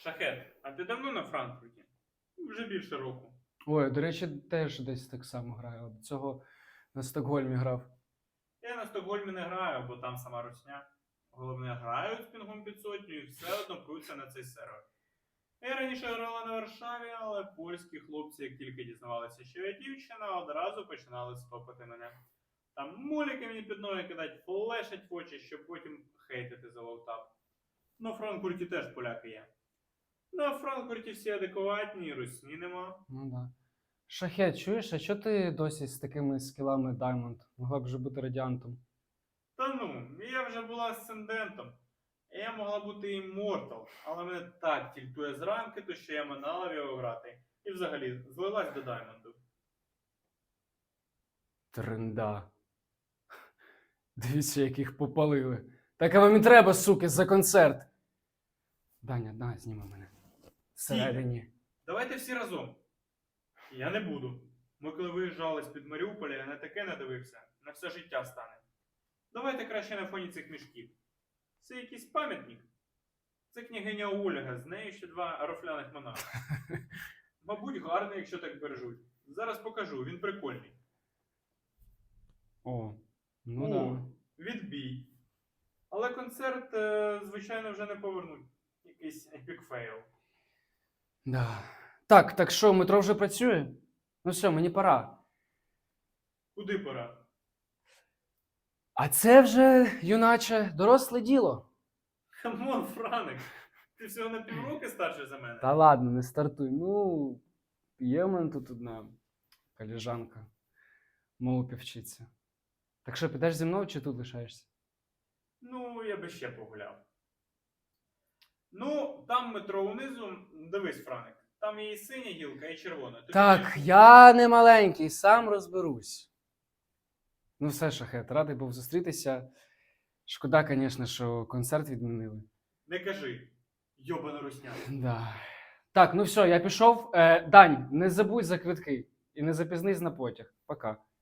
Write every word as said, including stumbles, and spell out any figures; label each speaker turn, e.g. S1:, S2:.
S1: Шахет, а ти давно на Франкфурті? Вже більше року.
S2: Ой, до речі, теж десь так само граю. До цього на Стокгольмі грав.
S1: Я на Стокгольмі не граю, бо там сама русня. Головне, грають з пінгом під сотню і все одно пруться на цей сервер. Я раніше грала на Варшаві, але польські хлопці, як тільки дізнавалися, що я дівчина, одразу починали стопити мене. Там муліки мені під ноги кидать, флешать в очі, щоб потім хейтити за лоутап. На Франкфурті теж поляки є. На Франкфурті всі адекватні, і русні нема.
S2: Ну да. Шахет, чуєш, а чого ти досі з такими скілами Diamond? Могла б вже бути радіантом.
S1: Та ну, я вже була асцендентом. Я могла бути іммортал, але мене так тільтує з ранки, то що я минала в його грати. І взагалі злилась до Даймонду.
S2: Тренда. Дивіться, яких попалили. Так а вам і треба, суки, за концерт. Даня, на, зніми мене. Всередині.
S1: Давайте всі разом. Я не буду. Ми коли виїжджали з-під Маріуполя, я на таке надивився. На все життя стане. Давайте краще на фоні цих мішків. Це якийсь пам'ятник. Це княгиня Ольга, з нею ще два рофляних монархи. Мабуть, гарний, якщо так бережуть. Зараз покажу, він прикольний.
S2: О, ну
S1: О,
S2: да.
S1: відбій. Але концерт, е, звичайно, вже не повернуть. Якийсь епік фейл.
S2: Да. Так, так що, метро вже працює? Ну все, мені пора.
S1: Куди пора?
S2: А це вже, юначе, доросле діло.
S1: Камон, Франик, ти всього на півроки старший за мене.
S2: Та ладно, не стартуй. Ну, є в мене тут одна коліжанка. Мову вчиться. Так що, підеш зі мною чи тут лишаєшся?
S1: Ну, я би ще погуляв. Ну, там метро унизу, дивись, Франик, там є і синя гілка, і червона. Тобі
S2: Так,
S1: не-
S2: я не маленький, сам розберусь. Ну все, Шахет, радий був зустрітися. Шкода, звісно, що концерт відмінили.
S1: Не кажи, йобана русня.
S2: Да. Так, ну все, я пішов. Е, Дань, не забудь за квитки і не запізнись на потяг. Пока.